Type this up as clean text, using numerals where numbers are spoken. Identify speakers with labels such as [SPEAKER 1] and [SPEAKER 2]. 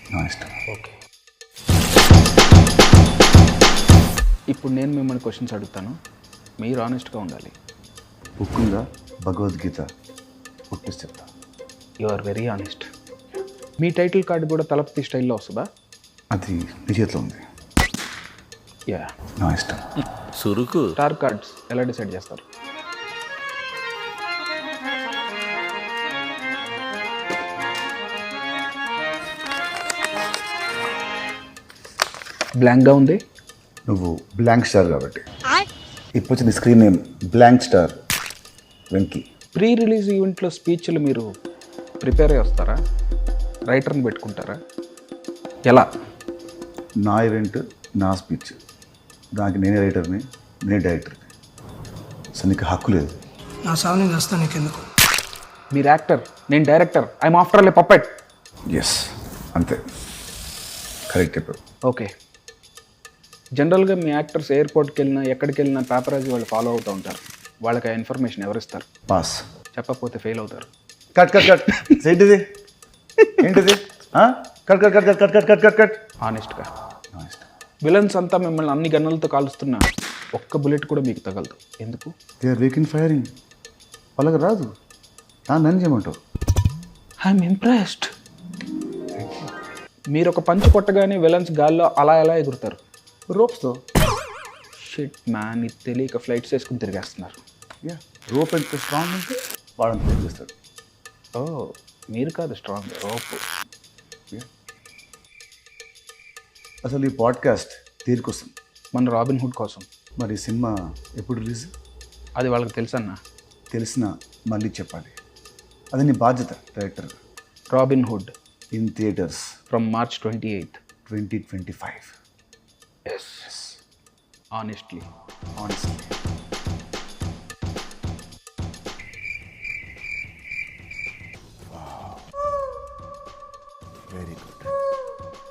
[SPEAKER 1] నా ఇష్టం.
[SPEAKER 2] ఓకే, ఇప్పుడు నేను మిమ్మల్ని క్వశ్చన్స్ అడుగుతాను, మీరు ఆనెస్ట్గా ఉండాలి.
[SPEAKER 1] బుక్ ఉందా భగవద్గీత పుట్టిసి చెప్తా.
[SPEAKER 2] You are very honest. మీ టైటిల్ కార్డు కూడా తలపతి స్టైల్లో వస్తుందా?
[SPEAKER 1] అది నీ చేతిలో ఉంది.
[SPEAKER 2] యా.
[SPEAKER 1] నా ఇష్టం.
[SPEAKER 3] సురుకు.
[SPEAKER 2] స్టార్ కార్డ్స్ ఎలా డిసైడ్ చేస్తారు? బ్లాంక్గా ఉంది.
[SPEAKER 1] నువ్వు బ్లాంక్ స్టార్ కాబట్టి. ఇప్పుడు వచ్చిన screen name blank star Venky.
[SPEAKER 2] Pre release ఈవెంట్లో స్పీచ్లు మీరు ప్రిపేర్ అయ్యి వస్తారా, రైటర్ని పెట్టుకుంటారా, ఎలా?
[SPEAKER 1] నా ఈవెంట్ నా స్పీచ్, దానికి నేనే రైటర్ని నేనే డైరెక్టర్ని. సో నీకు హక్కు లేదు.
[SPEAKER 4] నా సావుని వస్తా నీకెందుకు?
[SPEAKER 2] మీరు యాక్టర్, నేను director, I'm after all a puppet.
[SPEAKER 1] Yes, అంతే, కరెక్ట్ చెప్పావు.
[SPEAKER 2] ఓకే, జనరల్గా మీ యాక్టర్స్ ఎయిర్పోర్ట్కి వెళ్ళినా ఎక్కడికి వెళ్ళినా పేపరాజీ వాళ్ళు ఫాలో అవుతూ ఉంటారు. వాళ్ళకి ఆ ఇన్ఫర్మేషన్ ఎవరిస్తారు?
[SPEAKER 1] పాస్.
[SPEAKER 2] చెప్పకపోతే ఫెయిల్ అవుతారు.
[SPEAKER 1] Cut cut cut. ఏంటిది ఏంటిది? Cut cut cut cut cut cut cut cut cut.
[SPEAKER 2] ఆనెస్ట్గా.
[SPEAKER 1] నా ఇష్టం.
[SPEAKER 2] విలన్స్ అంతా మిమ్మల్ని అన్ని గన్నులతో కాలుస్తున్నా ఒక్క బుల్లెట్ కూడా మీకు తగలదు, ఎందుకు?
[SPEAKER 1] They are weak in firing. వాళ్ళకి రాదు, నన్ను చేయమంటావు.
[SPEAKER 2] I'm impressed. మీరు ఒక పంచ్ కొట్టగానే విలన్స్ గాల్లో అలా ఎలా ఎగురుతారు?
[SPEAKER 1] రోప్స్తో.
[SPEAKER 2] షిట్ మ్యాన్, ఇది తెలియక ఫ్లైట్స్ వేసుకుని తిరిగేస్తున్నారు.
[SPEAKER 1] యా, రోప్ ఎంత స్ట్రాంగ్ ఉంటే వాడని తెలియజేస్తాడు.
[SPEAKER 2] ఓ, మీరు కాదు స్ట్రాంగ్, రోప్.
[SPEAKER 1] అసలు ఈ పాడ్కాస్ట్ తీరుకొస్తుంది.
[SPEAKER 2] మన రాబిన్ హుడ్ కోసం.
[SPEAKER 1] మరి ఈ సినిమా ఎప్పుడు రిలీజ్?
[SPEAKER 2] అది వాళ్ళకి తెలుసన్నా.
[SPEAKER 1] తెలిసిన మళ్ళీ చెప్పాలి. అది నీ బాధ్యత director.
[SPEAKER 2] Robin Hood
[SPEAKER 1] in theatres
[SPEAKER 2] from March 28th.
[SPEAKER 1] 2025.
[SPEAKER 2] Yes. Honestly.
[SPEAKER 1] Honestly. Wow. Very good.